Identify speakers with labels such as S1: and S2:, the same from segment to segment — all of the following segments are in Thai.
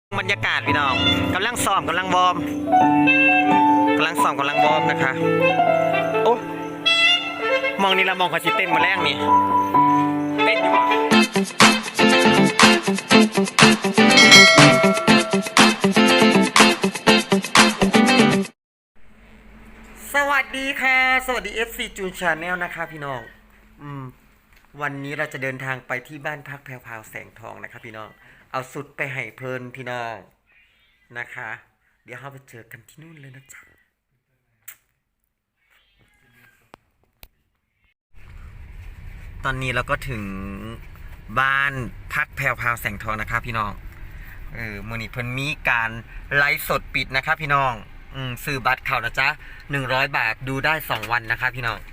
S1: บรรยากาศพี่น้องกำลังซ้อมกำลังวอร์มนะคะโอ้มองนี่ละมองเขาสิเต้นมาแรกนี่เต้นดีกว่าสวัสดีค่ะสวัสดี FC จูนชาแนลนะคะพี่น้องวันนี้เราจะเดินทางไปที่บ้านพักแพรวพราวแสงทองนะคะพี่น้องเอาสุดไปให้เพลินพี่น้องนะคะเดี๋ยวเราไปเจอกันที่นู่นเลยนะจ๊ะตอนนี้เราก็ถึงบ้านพักแพรวพราวแสงทองนะคะพี่น้องมื้อนี้เพิ่นมีการไลฟ์สดปิดนะคะพี่น้องซื้อบัตรเข้านะจ๊ะ100 บาทดูได้2 วันนะคะพี่น้อง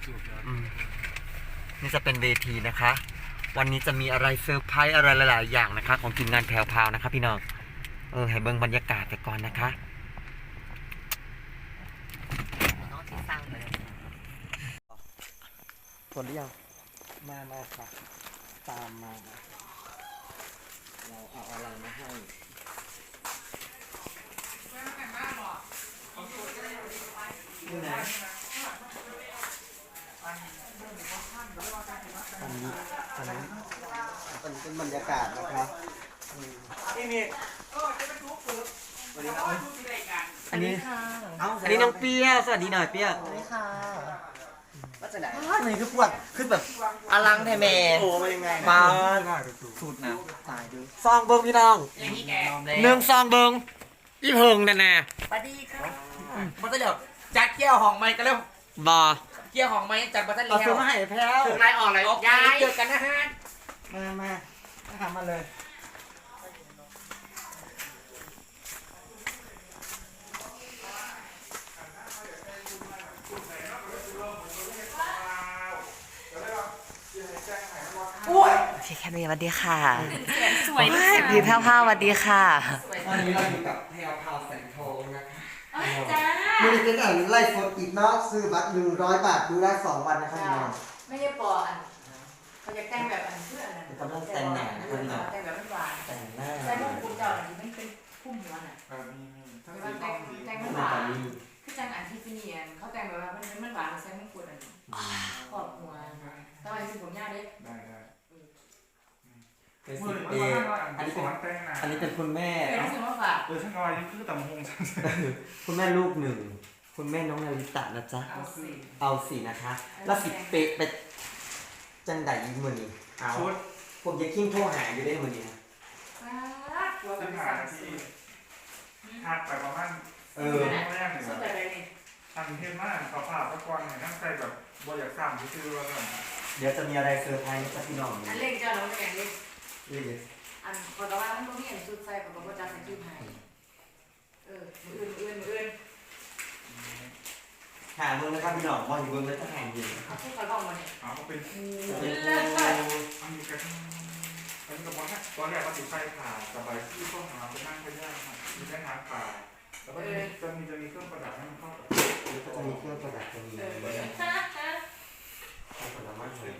S1: นี่จะเป็นเวทีนะคะวันนี้จะมีอะไรเซอร์ไพรส์อะไรหลายๆอย่างนะคะของทีมงานแพรวพราวนะคะพี่น้องให้เบิ่งบรรยากาศไปก่อนนะคะน้องที่สร้างเลยผลหรือยังมาค่ะตามมาเราเอาอะไรมาให้นี่นะอันนี้เป็นบรรยากาศนะครับอันนี้น้องเปียสวัสดีหน่อยเปียสวัสดีค่ะว่าจะไหนนี่คือปวดคือแบบอลังแท้แม่โอ้มายังไงมาสูตรนะตายดูซองเบิ้งพี่น้องหนึ่งซองเบิ้งอีเพิงแน่
S2: สวัสดีครับบัตเตอร์เดียวจัดเกี่ยวห้องไม้กันแล้ว
S1: บอ
S2: เกี่ยวห้องไม้จัดบัตเตอร์เดียว
S1: เอาซื้อมาให้แพ้ว
S2: ถึงไรออกไรย้ายเจอกันนะฮะ
S1: มาทำมาเลย
S3: พี่แคมมี่สวัสดีค่ะสวยมากพี่แพรวพราวสวัสดีค่ะ
S1: วันนี้เราอยู่กับแพรวพราวแสงทองนะคะ
S3: จ้า
S1: มือเป็นไล่สดอีกเนาะซื้อบัตร100 บาทดูได้2 วันนะครับพี่น้อง
S3: ไม่ใช่ปออันเขาจะแต่งแบบอันเพื่ออันนั้น
S1: กำลังแต่งหน้าคุณหน่อย
S3: แต่งแบบหวาน
S1: แต่งหน้า
S3: ใส่พวกคุณเจ้าอันนี้ไม่เป็นพุ่มหัวน่ะแต่งหวานคือจังอันที่ฟิเนียนเขาแต่งแบบว่ามันหวานใส่มงกุฎอันขอบหัวทำไมคือผมยากเด็ก
S1: เป็นสิบปีอันนี้เป็นคุณแม่
S3: เป็นสิ่งว่าฝาก
S4: ฉันก็อายุคือต่ำหง
S1: คุณแม่ลูกหนึ่งคุณแม่น้องนาริตะนะจ๊ะเอาสินะคะแล้วสิเปะไปจังไดอีกมือนี้เอาผมจะกิ้งโทรหาอยู่ได้มือนี้นะ
S4: จะหาที่หักไปประมาณแรกหนึ่งทำเท่มากขอผ่าตะกอนเนี่ยนั่งใจแบบบอยากสั่งที่ชื่อว่าแบบ
S1: เดี๋ยวจะมีอะไรเซอร์ไพรส์นะจ๊ะพี่น้อง
S3: อันเล็กจ้าเราจะแข่งเล็ก
S1: อั
S3: นพอแต่ว่ามันต้องมีอันชุดใส่กับบอกว่าจะใส่ชุดไทยมืออื่น
S1: หาเมืองนะครับพี่น้องมองอยู่เมืองแล้วจะแข่งอยู่
S3: เขาพูดเขาบอกมาเนี่ย
S4: เขาเป็นอันนี้กันอันนี้กับว่าตอนแรกว่าติดไฟผ่าสบายที่ข้อหาไปนั่งไปย่างมีแค่น้ำผ่าแล้วก็จะมีเครื่องประดับให้มันเข้ากับ
S1: จะมีเครื่องประดับจะมีผลไม้เลย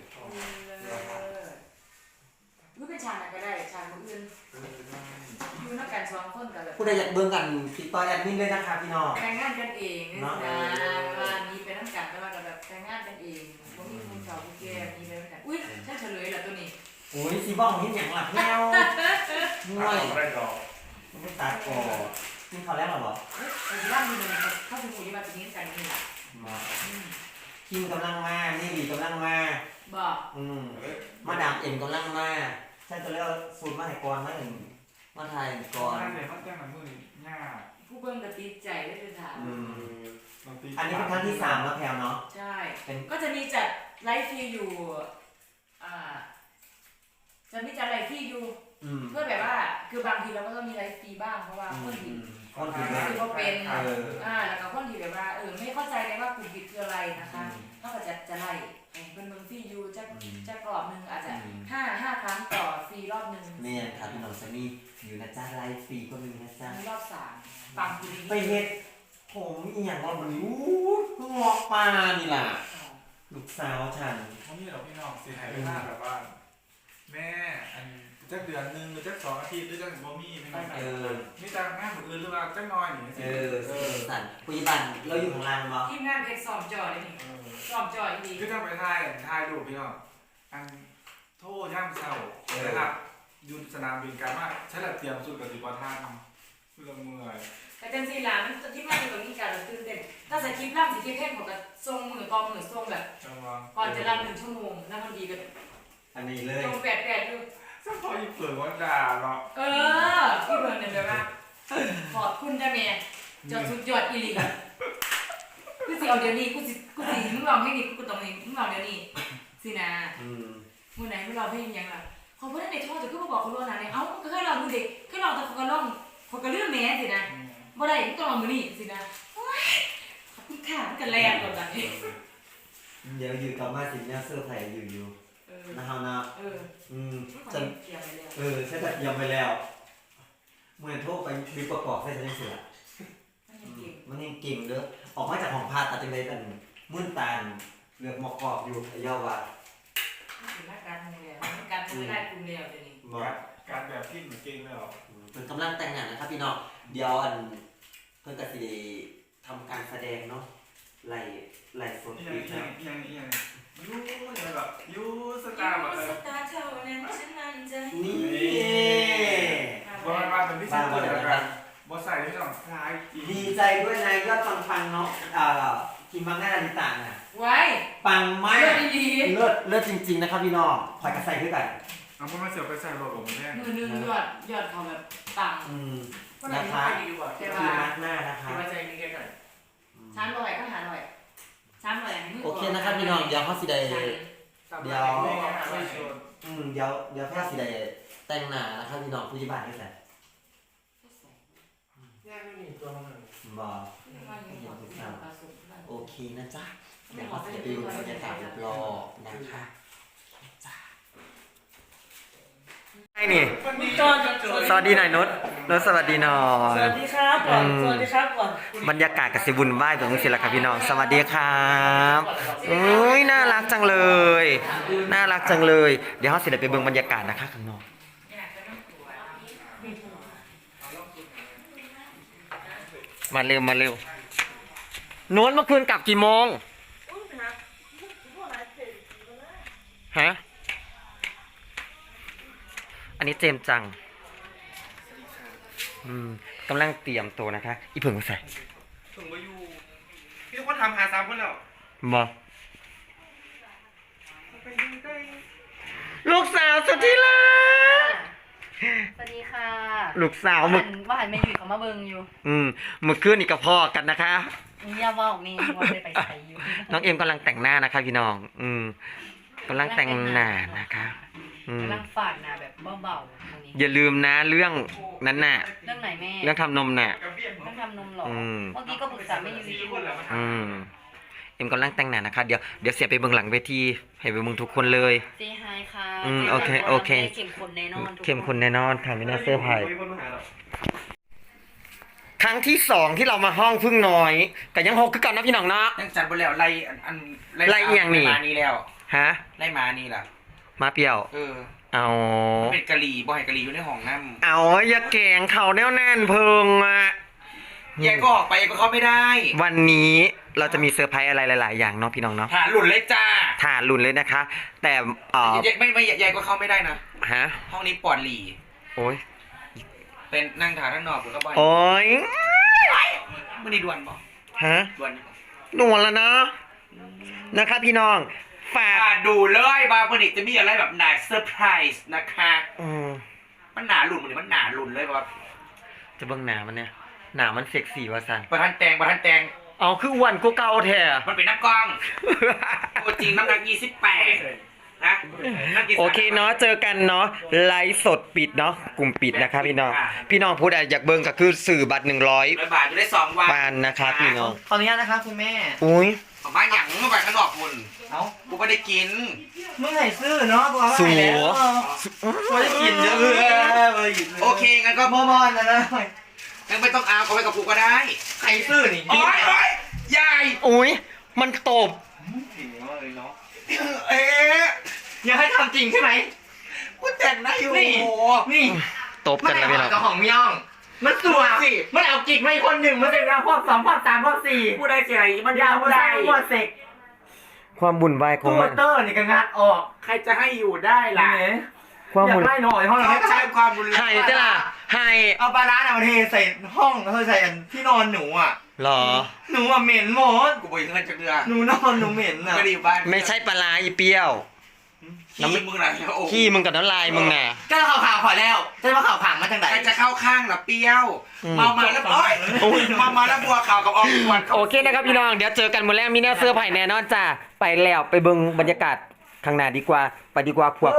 S3: รู้เป็นชาไหนก็ได้ชาคนอื่นอยู่นักการซ้อมคนกันเลย
S1: ผู้ใดอยากเบิ่งกันติดต่อแอดมินเลยนะคะพี่น้อง
S3: แต่งงานกันเองนะว่านี้เป็นนักการแต่ว่าแบบแต่งงานกันเองผมมีคุณสาวคุณแก่มีเป็นนักการอุ้ยฉันเฉลยแล้วตัวนี้
S1: โอ้ยซีบ้องเห็นอย่างหลับแมวง่วยไม่ตาคอนี่เขาแรกหรอบอก
S3: ร่างมีมันเข้าถึงหมู่ที่มาเป็นนี้กันนี่แหละ
S1: คิมกำลังมานี่ดีกำลังมา
S3: บอก
S1: มาดามเอ็มกำลังมาฉันจะเรียกสูตรมาให้ก่อนมาหนึ่งมาไทยก่อน
S4: เนี่ยเขาแจ้งมาเมื่อง่า
S3: ผู้เบิ่งกระติดใจได้เป็นถาม
S1: อันนี้เป็นครั้งที่3แล้วแพลวเนาะ
S3: ใช่ก็จะมีจัดไลฟ์ฟรีอยู่จะมีจัดไลฟ์ฟรีอยู่เพื่อแบบว่าคือบางทีเราก็ต้องมีไลฟ์ฟรีบ้างเพราะว่าคนที่เขาเป็นแล้วก็คนที่แบบว่าไม่เข้าใจเลยว่ากลุ่มผิดคืออะไรนะคะเขาก็จะไล่เป็นเมืองฟรีอยู่จะกรอบนึงอาจจะ5 ครั้งต่อฟรีรอบนึง
S1: เนี่ยครับพี่น้องจะมีอยู่นะจ๊ะไลฟ์ฟรีก็มีนะจ๊ะ
S3: รอบ3ฟังคุณ
S1: ไปเฮ็ดผมอีหยังว่าบ่รู้เพิ่งออกมานี่ล่ะลูกสาวฉัน
S4: เขามีเราพี่น้องเสียหายไปมากแบบว่าแม่อันจักเดือนนึงหรือจัก2 อาทิตย์หรือจักบ่มีไม่ได้
S1: เออ
S4: มีแต่งานคนอื่นหรือว่าจักน้อยนี่
S1: สั่นคุยบันเราอยู่ของเราบ่
S3: ทีมงานเพชรซ้อมจอเลยนี่ซ้อมจอดี
S4: คือถ้าไปถ่ายรูปพี่น้องอันโทษย่ามเศร้านะครับอยู่สนามบินกันว่าฉันละเตรียมสุดกับสิบ่ทันเพื่อเมื่อย
S3: แต่จังซี่ล่ะมันที่มาอยู่ตรงนี้กันตื่นเต้นถ้าสคริปต์ล่ำสิคริปต์แค่ผมก็ส่งมือต่อมือส่งแบบ
S4: จังหวะ
S3: ก่อนจะรับ1 ชั่วโมงแล้วมันดีกัน
S1: อันนี้เลย
S3: จงแปดอยู่
S4: สักพออีเปิดว่าด่าเนาะ
S3: พี่เบิร์นเนี่ยแบบว่าขอบคุณจ้าแม่จอดสุดยอดอีหลีกูสิเอาเดี๋ยวนี้กูสิมึงลองให้นี่กูตรงนี้มึงลองเดี๋ยวนี้สินะมึงไหนมึงลองให้ยังล่ะเขาพูดในโทษแต่ก็มาบอกเขาล่วงหน้าเนี่ยเอ้าก็ให้ลองมึงเด็กให้ลองแต่เขาก็ลองเขาก็เลื่อนแม่สินะบ่ได้มึงต้องลองมือนี่สินะโอ๊ยขอบคุณค่ะมันกันแรงกว่าแบบนี้
S1: เดี๋ยวอยู่กับมาสิเนี่ยเสื้อไผ่อยู่นะครับนะฉันฉันจะยอมไปแล้วเมื่อโทษไปมีประกอบให้ฉันเสียมันยังเก่งเด้อออกมาจากของพาตัดจังเลยแต่มื่นตาเหลือกหมอกกรอบอยู่ยาวว่า
S3: การทำเดียวการทำไม่ได้กลุ่มเดียวเดี๋ยวนี้
S4: การแบบที่เหมือนเก่งเลยหรอ
S1: เป็นกำลังแต่งงานนะครับพี่น้องเดี๋ยวเพื่อนก็สิทำการแสดงเนาะไล่สดปีนะ
S4: ยูแบบยูสตาร์แบบ
S3: สตาร์เท่านั้นฉันมั่นใจ
S1: นี่
S4: มาเป็นพิเศษเลยกันบอสใส่ที่ต้องคล้าย
S1: ดีใจด้วยนายยอดฟังเนาะคิมบังหน้าดิต่างอ่ะ
S3: ไว้
S1: ปังมาก
S3: ดี
S1: เลิศจริงๆนะครับพี่น้องคอยกระใส่ด้วยกัน
S4: เอาพวกมาเสียบไปใส่รถผมแน่
S3: มือนึงยอดเขาแบบต่าง
S1: นะคะคิมบังหน้านะคะ
S2: ที่ว่าใจมีแค่ไหน
S3: 300ก็หา100 300
S1: โอเคนะครับพี่น้องเดี๋ยวเขาสิได้เดี๋ยวเขาสิได้แต่งหน้านะครับพี่น้องผู้ยิบานด้วยกัน
S2: ย่าไม่มีตัวมัน
S1: บอกโอเคนะจ๊ะเดี๋ยวเขาสิไปดูบรรยากาศรอบๆนะคะไอ้นี่สวัสดีหน่อยนุชสวัสดีหน่อย
S5: สวัสดีครับก่อนสวัสดีครับก่อน
S1: บรรยากาศกับสิบุญไหว้ตรงนี้สิละครับพี่น้องสวัสดีครับอุ้ยน่ารักจังเลยน่ารักจังเลยเดี๋ยวเขาสิไปเบิ่งบรรยากาศนะคะข้างนอกมาเร็วโน้นเมื่อคืนกลับกี่โมงฮะอันนี้เจมจังกำลังเตรียมตัวนะคะอีเพิ่งมาใส่
S2: ถึงมาอยู่พี่ต้องทำหา3 คนแล้ว
S1: มาลูกสาวสุดที่รัก
S5: สวัสดีค่ะ
S1: ลูกสาวมึก
S5: ว่าหันไม่อยู่เขามาเบิงอยู่
S1: เมื่อคืนนี่กับพ่อกันนะคะ
S5: อย่าว่าออกนี่ว่าไปใส่อยู่
S1: น้องเอ็มกำลังแต่งหน้านะคะพี่น้องกำลังแต่งหน้านะคะ
S5: กำลังฝาดหน้าแบบเบาๆตรงนี้
S1: อย่าลืมนะเรื่องนั้นน่ะ
S5: เรื่องไหนแม่
S1: เรื่องทำนมน่ะ
S5: เรื่องทำนมหรอเมื่อกี้ก็ปรึกษาแม่ยูอยู่
S1: เอ็มกำลังแต่งหน้านะคะเดี๋ยวเสียไปเบื้องหลังเวทีให้ไปเบื้องทุกคนเลย
S5: เซฮายค่ะ
S1: โอเค
S5: เข้มข้นแน่นอน
S1: เข้มข้นแน่นอนค่ะไม่น่าเสื้อผ้าครั้งที่2ที่เรามาห้องพึ่งน้อยแต่ยัง6คือกันนะพี่น้องเนาะ
S2: ยังจัดไปแล้วไล่มานี่แล้ว
S1: ฮะ
S2: ไล่มานี่ล่ะ
S1: มาเปรี้ยวเอา
S2: เป็นกะหรี่บ่ให้กะหรี่อยู่ในห้องน้ำ
S1: เอาอย่าแกงเขาแน่วแน่นเพิงอ่ะ
S2: แยกก็ออกไปก็เข้าไม่ได้
S1: วันนี้เราจะมีเซอร์ไพรส์อะไรหลายๆอย่างเนาะพี่น้องเนาะ
S2: ฐานหลุดเลยจ้า
S1: ถ่านลุ่นเลยนะคะ แต่
S2: ไม่แยกก็เข้าไม่ได้นะ
S1: ฮะ
S2: ห้องนี้ปลอดหลี
S1: โอ้ย
S2: เป็นนั่งถ่ายข้างนอกก็บ่อย
S1: โอ้ย
S2: ไม่ได้ด่วนบอก
S1: ฮะ
S2: ด่วน
S1: หนวลแล้วนะนะคะพี่น้องฝาก
S2: ดูเลยว่าวันนี้จะมีอะไรแบบหนาเซอร์ไพรส์นะคะมันหนาหลุดมันหนาหลุดเลยว่า
S1: จะเบิ่งหนามันเนี่ยหนามันเซ็กซี่ว่าสัน
S2: ประธานแตง
S1: เอาคืออ้วนกูเก่าแท้
S2: มันเป็นน้ำกล้องตัวจริงน้ำหนัก28นะ
S1: โอเคเนาะเจอกันเนาะไลฟ์สดปิดเนาะกลุ่มปิดนะคะพี่น้องพูดอะไรอยากเบิ่งก็คือสื่อบัตร
S2: 100 บาทจะได้2 วัน
S1: ปานนะคะพี่น้อง
S5: ขออนุญาตนะคะคุณแม่
S1: อุ้ย
S2: บ้านหยังมาไปข้างนอกคุณกูไม่ได้กิน
S5: เมื่อไหร่ซื้อเนาะตัวว่า
S1: สัว
S5: ไม่ได้กินเยอะ
S2: โอเคงั้นก็
S5: มอนนะ
S2: งั้นไม่ต้องเอาเขาไปกับกูก็ได้
S5: ใครซื้อนี่
S2: โอ๊ยยาย
S1: อุ้ยมันตบ
S5: อย่าให้ทำจริงใช่ไหม
S2: กูแต่งหน้าอยู่
S5: นี่
S2: โอ้โห
S5: นี่
S1: ตบกันแล้วพี่น้อง
S5: เจ้าของย่อง มันสวยสิมันเอากิกมาอีกคนหนึ่งมันเป็นพวก2พวก3พวก4
S2: ผู้ใดเสียมัน
S5: ยาวได้พวกเสก
S1: ความบุญวายของ
S5: ตู้
S1: มัน
S5: เตอร์นี่ก็งัดออก
S2: ใครจะให้อยู่ได้ล่ะ
S1: ความ
S5: อยา
S1: บุ
S5: ก
S1: ญ
S5: ไล่หน่อยห้องเรา
S2: เขาใช้ความรุนแรง
S1: ให้เจ้าล่ะให้
S5: เอาปลาร้าเอาเทใส่ห้องเขาใส่ที่นอนหนูอ่ะ
S1: หรอ
S5: หนูอ่ะเหม็นหมด
S2: กูบอกเงินจากเรือ
S5: หนูนอนหนูเหม็นอ่ะ
S2: ไม่ได้อยู่บ้าน
S1: ไม่ใช่ปลาร้าอีเปรี้ยว
S2: ขี้มึงน่ะโอ้โห
S1: ขี้มึงกับน้ำลายมึงน่ะ
S5: ก็ข่าวขอแล้วใช่ว่าข่าวขังมาจากไหน
S2: ใครจะเข้าข้างล่ะเปรี้ยว
S1: อืม
S2: เมามาแล้วโอ๊ยเมามาแล้วบัวขาวกับออมกวน
S1: โอเคนะครับพี่น้องเดี๋ยวเจอกันมื้อแรกมีแน่เสื้อไผ่แน่นอนจ้าไปแล้วไปเบิ่งบรรยากาศข้างหน้าดีกว่าไปดีกว่าพวก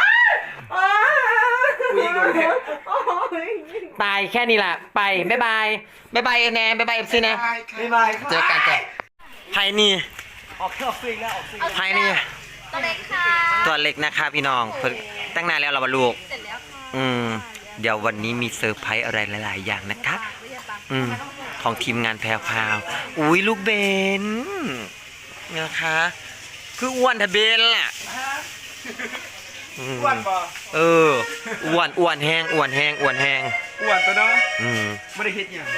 S2: กูยิงโดนแทง
S1: ตายแค่นี้แหละไปบ๊ายบายบ๊ายบายแนนบ๊ายบายเอฟซีนะ
S5: บ๊ายบาย
S1: เจอกันจ้ะไผ่นี่
S5: ออกฟิกแล้วออกฟิก
S1: ไผ่นี่
S6: ตัวเล็กค่ะ
S1: ตัวเล็กนะคะพี่น้องเพิ่งตั้งนานแล้วเราบรรลุก
S6: เสร็จแล้วค่ะ
S1: เดี๋ยววันนี้มีเซอร์ไพรส์อะไรหลายๆอย่างนะครับของทีมงานแพรวพราวอุ้ยลูกเบนนะคะคืออ้วนทะเบนล่ะอ้วนป่ะอ้วนแห้งอ้วนแห้งอ้วนแห้ง
S5: อ้วนตัวเนาะ
S1: ไม่ได้คิดอย่าง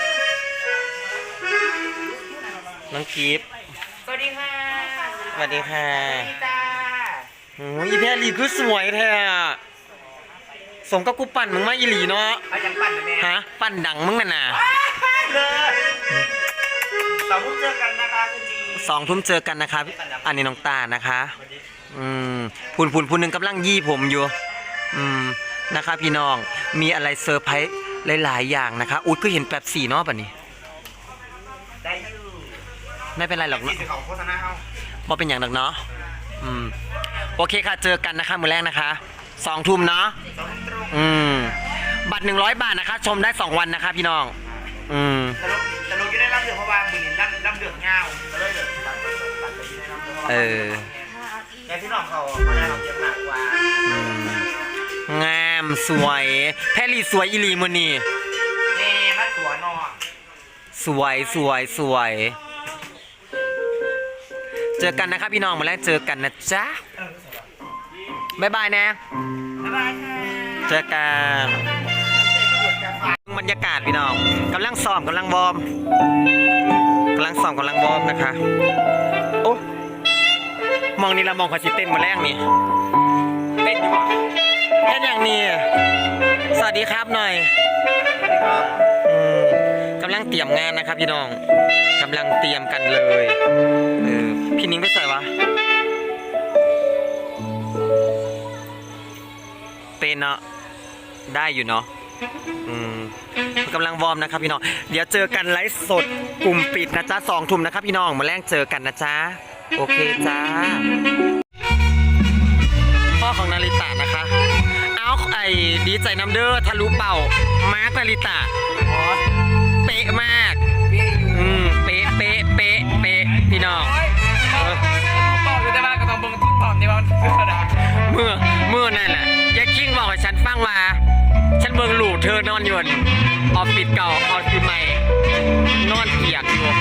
S1: น้องกิฟต์
S5: สวัสดีค่ะ
S1: สวัสดีค่ะ
S5: จ้า
S1: โอ้ยอีแพรลีคือสวยแท้อะสมกับกูปั่นมึงมาอีหลีเนาะ
S5: เอาจังปั่นนะแม่
S1: ฮะปั่นดังมึงน่ะนะ
S5: เลยเราเพิ่งเจอกันนะคะคุณดี
S1: 2 ทุ่มเจอกันนะครับอันนี้น้องตานะคะพูนหนึ่งกำลังยี่ผมอยู่นะคะพี่น้องมีอะไรเซอร์ไพรส์หลายๆอย่างนะคะอุ๊ยก็เห็นแป๊บสี่เนาะป่ะนี้
S5: ได้อยู่
S1: ไม่เป็นไรหรอกเนาะ
S5: ที่ของโฆษณาเอา
S1: ว่าเป็นอย่างหนักเนาะโอเคค่ะเจอกันนะคะมื้อแรกนะคะ2 ทุ่มเนาะบัตร100 บาทนะคะ ชมได้2 วันนะคะพี่น้อง
S5: แต่ลงอยู่ได้รับเดือดเพราะว่ามือนี้รับเดือดเงาก็เลยเดือดตัดไปที่ได้รับเดือดเพราะว่าแต่พี่น้องเขาได้รับเยอะมากกว่าง
S1: ามสวยแพรลี่สวยอีหลีมื้อนี้
S5: แม่มาตัวนอน
S1: สวยเจอกันนะครับพี่น้องมื้อแรกเจอกันนะจ๊ะบ๊ายบายนะ
S5: บ๊ายบายค่ะ
S1: เจอกันบรรยากาศพี่น้องกำลังซ้อมกำลังวอร์มนะคะโอ้มองนี่ละมองขอสิเต้นมาแรกนี่เต้นอยู่เต้นอย่างนี้สวัสดีครับหน่อยกำลังเตรียมงานนะครับพี่น้องกำลังเตรียมกันเลยพี่นิ้งไปใส่วะเป็นเนาะได้อยู่เนาะกำลังวอร์มนะครับพี่น้องเดี๋ยวเจอกันไลฟ์สดกลุ่มปิดนะจ๊ะ2 ทุ่มนะครับพี่น้องมาแรงเจอกันนะจ๊ะโอเคจ้าพ่อของนาริตะนะคะเอาดีใจน้ำเด้อทะลุเป่ามาร์คนาริตะเป๊ะมากเป๊ะพี่น้องเป่าอยู่แต่ว่าก็ต้องเบิ่งทุกเป่าในวันเมื่อนั่นแหละยายคิงบอกให้ฉันฟังว่าฉันเบิ่งลูกเธอนอนอยู่ออฟฟิศเก่าออฟฟิศใหม่นอนเปียกอยู่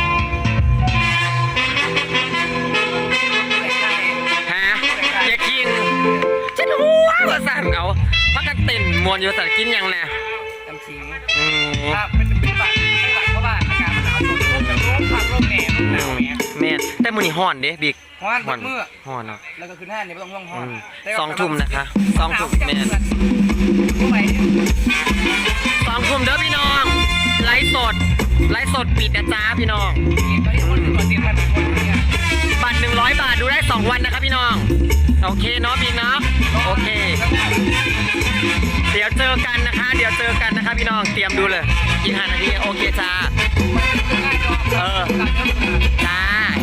S1: ฮะยายคิงฉันหัวว่าสั่นเอาพักกันเต้นมวนอยู่สั่นกินยังแน่จำชิงครับเป็นบัตรไม่บัตรเพราะว่าอากาศมันหนาวช่วงนี้ร่มพัดร่มแหน่ร่มหนาวแหน่แม่แต่มื้อนี้ฮ้อนเด้บิ๊กฮ้อนเมื่อฮ้อนเนาะ
S5: แล้วก็คือหน้านี่ไม่ต้องห้องห้อง
S1: 2 ทุ่มนะคะ2 ทุ่มแม่2 ทุ่มเด้อพี่น้องไลฟ์สดปิดนะจ๊ะพี่น้องบัตร100 บาทดูได้2 วันนะครับพี่น้องโอเคเนาะบิ๊กเนาะโอเคเดี๋ยวเจอกันนะคะพี่น้องเตรียมดูเลยอีก5 นาทีโอเคจ้าจ้า